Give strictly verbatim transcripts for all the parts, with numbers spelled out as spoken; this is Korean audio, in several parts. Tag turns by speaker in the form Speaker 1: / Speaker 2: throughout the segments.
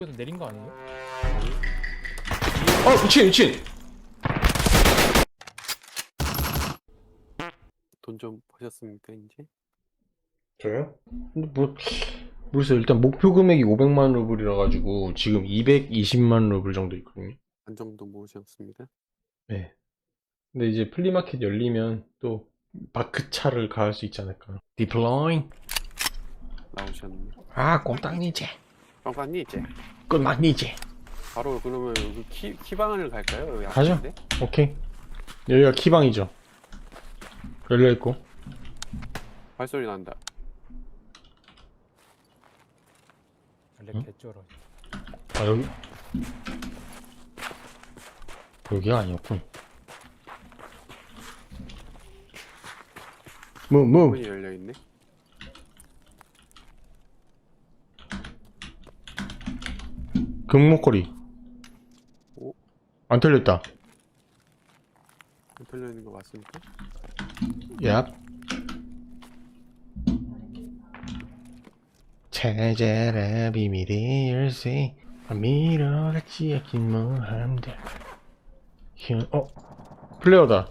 Speaker 1: 그래서 내린 거 아니에요?
Speaker 2: 어 미친 미친.
Speaker 3: 돈 좀 버셨습니까 이제?
Speaker 2: 저요? 근데 뭐 모르겠어요. 일단 목표 금액이 오백만 루블이라 가지고 지금 이백이십만 루블 정도 있거든요.
Speaker 3: 반 정도 모으셨습니다.
Speaker 2: 네. 근데 이제 플리마켓 열리면 또 바크차를 가할 수 있지 않을까. 디플로잉.
Speaker 3: 나오셨네.
Speaker 2: 아 꼼딱니제.
Speaker 3: 빵빵니 이제
Speaker 2: 꼼딱니제.
Speaker 3: 바로 그러면 여기 키 키방을 갈까요? 여기
Speaker 2: 가죠.
Speaker 3: 앞인데?
Speaker 2: 오케이. 여기가 키방이죠. 열려있고.
Speaker 3: 발소리 난다.
Speaker 1: 원래
Speaker 2: 응?
Speaker 1: 개쩔어.
Speaker 2: 아 여기 여기가 아니었군. 뭐 뭐.
Speaker 3: 문이 열려 있네.
Speaker 2: 금목걸이.
Speaker 3: 오?
Speaker 2: 안 털렸다.
Speaker 3: 안 털려 있는 거 맞습니까?
Speaker 2: 얍. 찾아라 비밀의 열쇠. 미러같이 아낀 모함들. 힘. 어? 플레어다.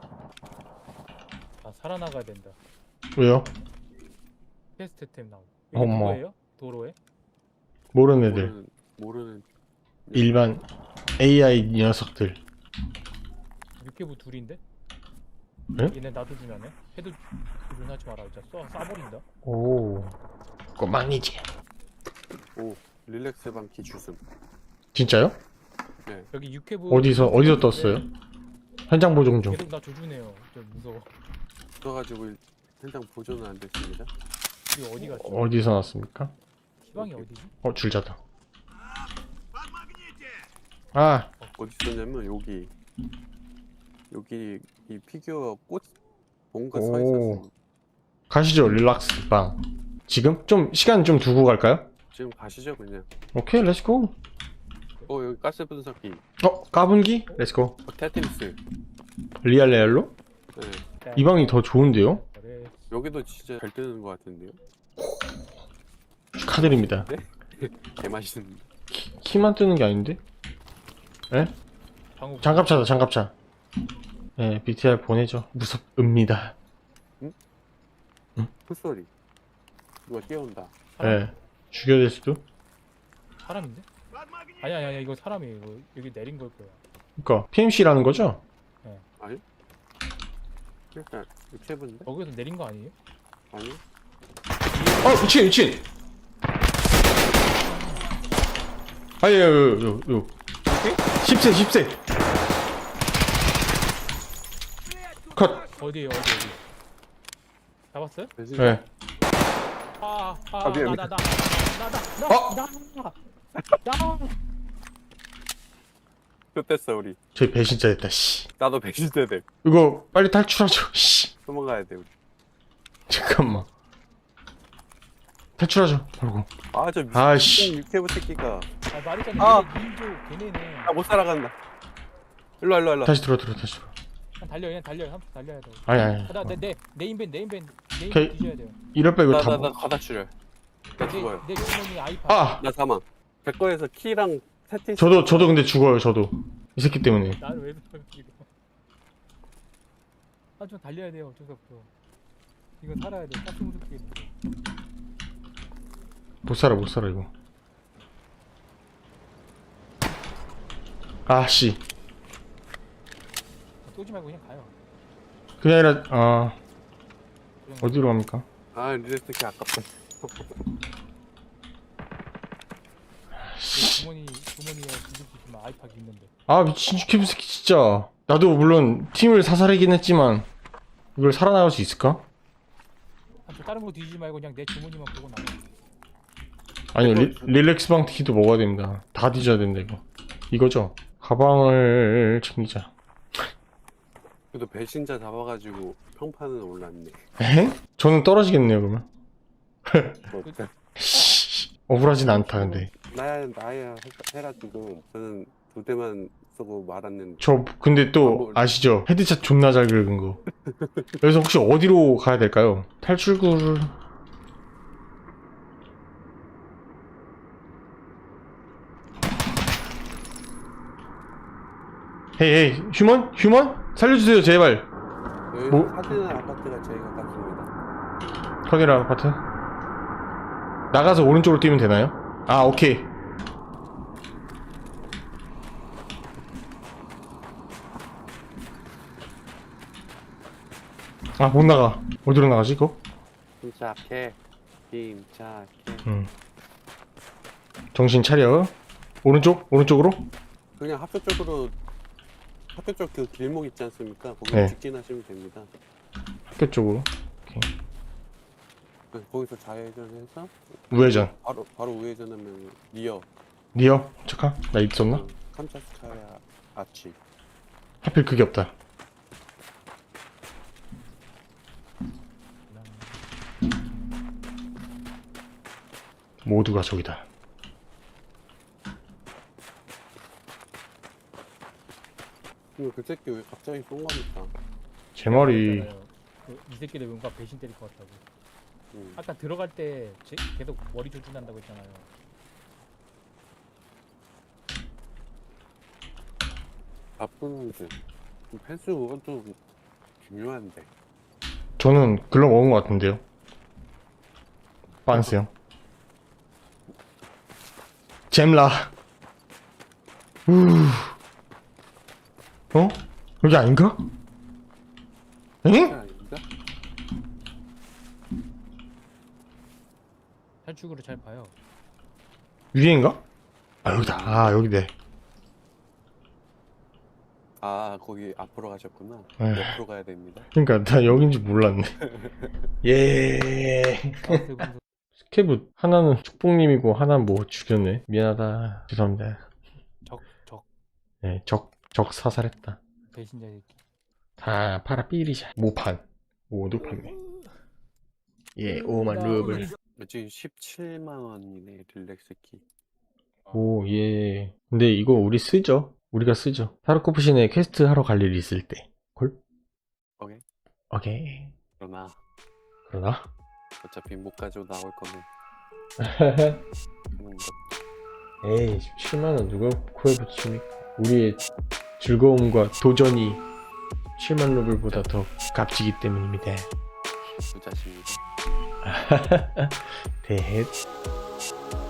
Speaker 1: 아 살아나가야 된다.
Speaker 2: 왜요?
Speaker 1: 퀘스트템 나오고. 이게
Speaker 2: 어머.
Speaker 1: 누구예요? 도로에?
Speaker 2: 모르는 애들.
Speaker 3: 모르는 모르는
Speaker 2: 일반 에이아이 녀석들.
Speaker 1: 육개부 둘인데?
Speaker 2: 네?
Speaker 1: 얘네 놔두주면 해? 해도 주둔 하지 마라. 진짜 쏴 쏴버린다.
Speaker 2: 오. 꼬망이지.
Speaker 3: 오 릴렉스 방키 주슴.
Speaker 2: 진짜요?
Speaker 3: 네.
Speaker 1: 여기 육개부
Speaker 2: 어디서 어디서 떴어요? 현장 보정 중.
Speaker 1: 계속 나 조준해요. 좀 무서워.
Speaker 3: 떠가지고 현장 보존은 안 됐습니다.
Speaker 1: 이거 어디 갔지?
Speaker 2: 어디서 났습니까?
Speaker 1: 희망이 어디지?
Speaker 2: 어 줄자다. 아
Speaker 3: 어디 있었냐면 여기 여기 이 피규어 꽃 뭔가 서
Speaker 2: 오.
Speaker 3: 있었어.
Speaker 2: 가시죠 릴락스 방. 지금 좀 시간 좀 두고 갈까요?
Speaker 3: 지금 가시죠 그냥.
Speaker 2: 오케이 렛츠고.
Speaker 3: 어 여기 가스 분석기.
Speaker 2: 어 까분기? 렛츠고.
Speaker 3: 어, 테트리스.
Speaker 2: 리알 레알로?
Speaker 3: 네.
Speaker 2: 이 방이 더 좋은데요?
Speaker 1: 그래.
Speaker 3: 여기도 진짜 잘 뜨는 것 같은데요.
Speaker 2: 축하드립니다.
Speaker 3: 개 맛있는.
Speaker 2: 키, 키만 뜨는 게 아닌데? 에?
Speaker 1: 방금
Speaker 2: 장갑차다 장갑차. 네 비티알 보내죠. 무섭습니다.
Speaker 3: 풀소리. 누가 뛰어온다.
Speaker 2: 네 죽여야 될 수도?
Speaker 1: 사람인데? 아니 아니 아니 이거 사람이에요. 이거 여기 내린 걸 거야.
Speaker 2: 그니까 피엠씨라는 거죠?
Speaker 3: 아니? 일단 육체분데?
Speaker 1: 거기서 내린 거 아니에요?
Speaker 3: 아니?
Speaker 2: 어 미친 미친! 아예 요요요 십 세 십 세 컷!
Speaker 1: 어디에요? 어디 어디? 잡았어요?
Speaker 3: 배신.
Speaker 2: 네
Speaker 1: 아아나나나나나나나나
Speaker 3: 아, 미안, 미안.
Speaker 2: 어?
Speaker 1: 나.
Speaker 3: 쫓댔어 우리.
Speaker 2: 저희 배신자 됐다 씨.
Speaker 3: 나도 배신자 돼.
Speaker 2: 이거 빨리 탈출하죠 씨.
Speaker 3: 도망가야 돼 우리.
Speaker 2: 잠깐만 탈출하죠 그리고
Speaker 3: 아저
Speaker 2: 아이씨.
Speaker 3: 육체부 새끼가.
Speaker 1: 아 말했잖아.
Speaker 3: 아.
Speaker 1: 얘네 민족 걔네네.
Speaker 3: 아 못 살아간다. 일로 와 일로 와 일로 와.
Speaker 2: 다시 들어 들어 다시 들어
Speaker 1: 그냥 달려 그냥 달려 한 달려야 돼.
Speaker 2: 아니 아니
Speaker 1: 나 내 내 네임밴 네임밴
Speaker 2: 오케이.
Speaker 1: 네임밴 뒤져야 돼요.
Speaker 2: 이럴 바 이거
Speaker 3: 나
Speaker 2: 다
Speaker 3: 나 나
Speaker 2: 먹...
Speaker 3: 과다 출혈. 나 죽어요.
Speaker 1: 내, 내 주머니 아이팟.
Speaker 2: 아!
Speaker 3: 나 사망. 제 거에서 키랑 테트리스.
Speaker 2: 저도 저도 근데 죽어요 저도 이 새끼 때문에.
Speaker 1: 나를 왜 그러는 이거? 아좀 달려야 돼요. 어쩔 수 없어. 이건 살아야 돼. 가스 무섭게 있는데.
Speaker 2: 못 살아 못 살아 이거. 아씨
Speaker 1: 쏘지 말고 그냥 가요.
Speaker 2: 그게 아니라 아
Speaker 1: 그냥
Speaker 2: 어디로 갑니까?
Speaker 3: 아 릴렉스 키 아깝다.
Speaker 1: 내 주머니 주머니에 뒤질 수 있으면 아이팟 있는데.
Speaker 2: 아 미친 유캐브 새끼 진짜. 나도 물론 팀을 사살하긴 했지만 이걸 살아나갈 수 있을까?
Speaker 1: 아, 저 다른 거 뒤지지 말고 그냥 내 주머니만 보고 나가.
Speaker 2: 아니요 리, 릴렉스 방 키도 먹어야 됩니다. 다 뒤져야 된다 이거. 이거죠? 가방을 챙기자.
Speaker 3: 그래도 배신자 잡아가지고 평판은 올랐네.
Speaker 2: 에? 저는 떨어지겠네요 그러면.
Speaker 3: 뭐,
Speaker 2: 씨, 억울하진 않다 근데.
Speaker 3: 나야 나야 해라 지금. 저는 두 대만 쏘고 말았는데.
Speaker 2: 저 근데 또 아시죠? 헤드샷 존나 잘 긁은 거. 그래서 혹시 어디로 가야 될까요? 탈출구를 헤이 헤이 휴먼? 휴먼? 살려주세요 제발.
Speaker 3: 여기
Speaker 2: 뭐?
Speaker 3: 카디나 아파트가 제일 가깝습니다.
Speaker 2: 커네라 아파트. 나가서 오른쪽으로 뛰면 되나요? 아 오케이. 아 못 나가. 어디로 나가지 그거?
Speaker 3: 침착해. 침착해.
Speaker 2: 음. 정신 차려. 오른쪽? 오른쪽으로?
Speaker 3: 그냥 학교 쪽으로 학교 쪽 그 길목 있지 않습니까? 거기
Speaker 2: 네.
Speaker 3: 직진하시면 됩니다.
Speaker 2: 학교 쪽으로.
Speaker 3: 네, 거기서 좌회전해서
Speaker 2: 우회전.
Speaker 3: 바로 바로 우회전하면 리어
Speaker 2: 니어? 잠깐 나 있었나?
Speaker 3: 그 캄차스카야 아치.
Speaker 2: 하필 그게 없다. 모두가 저기다.
Speaker 3: 근데 그 새끼 왜 갑자기 쏜 겁니까?
Speaker 2: 제 말이
Speaker 1: 그, 이 새끼들 뭔가 배신 때릴 것 같다고.
Speaker 3: 음.
Speaker 1: 아까 들어갈 때 제, 계속 머리 조준한다고 했잖아요.
Speaker 3: 나쁜 놈들. 펜스 그것도 중요한데.
Speaker 2: 저는 글러 먹은 것 같은데요. 빤스 형. 잼라. 우. 어? 여기 아닌가? 응?
Speaker 3: 아닌가?
Speaker 1: 탈출구를 잘 봐요.
Speaker 2: 위에인가? 아 여기다. 아 여기네.
Speaker 3: 아 거기 앞으로 가셨구나.
Speaker 2: 에휴.
Speaker 3: 옆으로 가야 됩니다.
Speaker 2: 그러니까 나 여긴지 몰랐네. 예.
Speaker 1: 마우스 분석
Speaker 2: 스케브 하나는 축복님이고 하나는 뭐 죽였네. 미안하다. 죄송합니다.
Speaker 1: 적, 적
Speaker 2: 네, 적, 적 사살했다.
Speaker 1: 배신자 새끼.
Speaker 2: 다 파라 삐리샤. 모판. 모두 판매. 예, 오만 루블.
Speaker 3: 지금 십칠만 원이네 릴렉스 키.
Speaker 2: 오, 예. 근데 이거 우리 쓰죠? 우리가 쓰죠. 타르코프신에 퀘스트 하러 갈 일 있을 때. 콜?
Speaker 3: 오케이.
Speaker 2: 오케이.
Speaker 3: 그러나
Speaker 2: 그러나?
Speaker 3: 어차피 못 가지고 나올 거면 그런 것.
Speaker 2: 에이, 십칠만 원 누가 코에 붙입니까? 우리의 즐거움과 도전이 십칠만 루블보다 더 값지기 때문입니다.
Speaker 3: 부자십니다.
Speaker 2: 대헷.